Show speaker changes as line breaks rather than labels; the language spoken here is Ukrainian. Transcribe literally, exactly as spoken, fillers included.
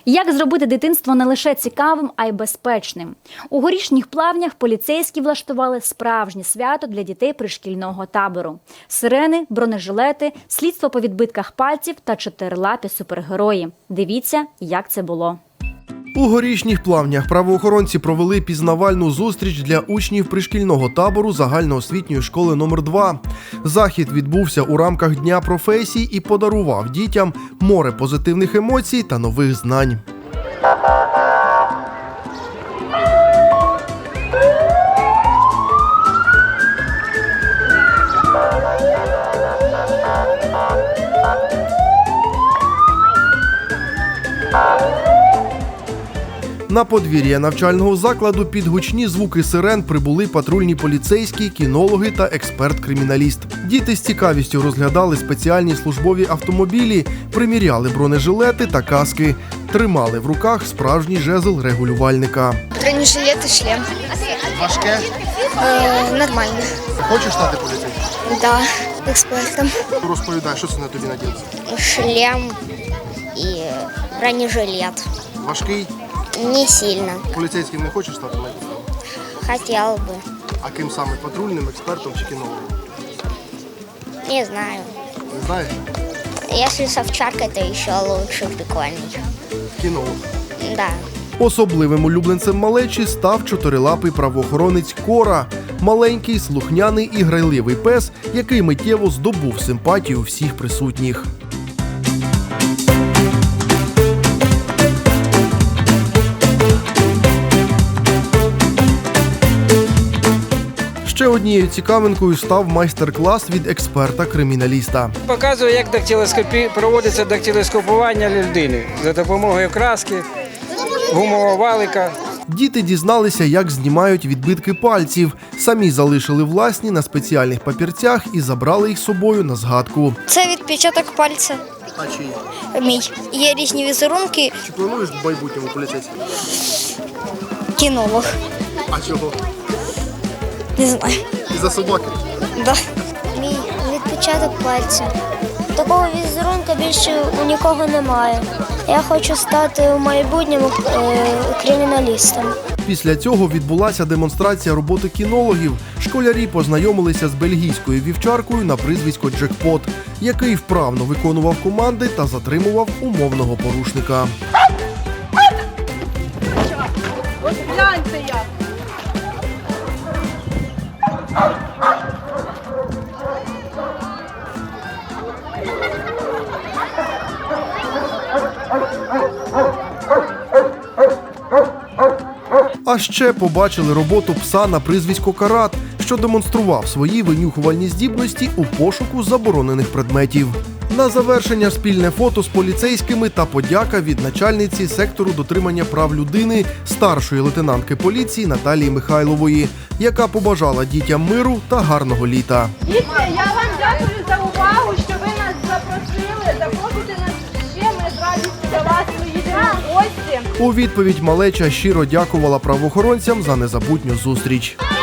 Як зробити дитинство не лише цікавим, а й безпечним? У Горішніх Плавнях поліцейські влаштували справжнє свято для дітей пришкільного табору. Сирени, бронежилети, слідство по відбитках пальців та чотирилапі супергерої. Дивіться, як це було.
У Горішніх Плавнях правоохоронці провели пізнавальну зустріч для учнів пришкільного табору загальноосвітньої школи номер два. Захід відбувся у рамках Дня професій і подарував дітям море позитивних емоцій та нових знань. На подвір'я навчального закладу під гучні звуки сирен прибули патрульні поліцейські, кінологи та експерт-криміналіст. Діти з цікавістю розглядали спеціальні службові автомобілі, приміряли бронежилети та каски, тримали в руках справжній жезл регулювальника.
Бронежилет і шлем.
Важке?
Е, нормально.
Хочеш стати поліцейським?
Да, експертом.
Розповідай, що це на тобі наділося?
Шлем і бронежилет.
Важкий?
Не сильно.
Поліцейським не хочеш стати?
Хотел бы.
А ким саме? Патрульним, експертом чи кінологом?
Не знаю.
Не знаєш?
Если с овчаркой, то еще лучше, прикольней.
Кінолог.
Да.
Особливим улюбленцем малечі став чотирилапий правоохоронець Кора. Маленький, слухняний і грайливий пес, який миттєво здобув симпатію всіх присутніх. Ще однією цікавинкою став майстер-клас від експерта-криміналіста.
Показує, як дактилоскопі... проводиться дактилоскопування людини за допомогою краски, гумового валика.
Діти дізналися, як знімають відбитки пальців. Самі залишили власні на спеціальних папірцях і забрали їх з собою на згадку.
Це відпечаток пальця.
А чий?
Мій. Є різні візерунки.
Чи плануєш в майбутньому поліцейським?
Кінолог.
А чого?
Не знаю.
Із-за собаки?
Да. Мій відпечаток пальця. Такого візерунка більше у нікого немає. Я хочу стати у майбутньому е, криміналістом.
Після цього відбулася демонстрація роботи кінологів. Школярі познайомилися з бельгійською вівчаркою на прізвисько Джекпот, який вправно виконував команди та затримував умовного порушника.
Ось гляньте як!
А ще побачили роботу пса на прізвисько Карат, що демонстрував свої винюхувальні здібності у пошуку заборонених предметів. На завершення спільне фото з поліцейськими та подяка від начальниці сектору дотримання прав людини старшої лейтенантки поліції Наталії Михайлової, яка побажала дітям миру та гарного літа.
Діти, я вам дякую за увагу, що ви нас запросили. Запросите нас ще, ми з радістю до вас приїдемо в гості.
У відповідь малеча щиро дякувала правоохоронцям за незабутню зустріч.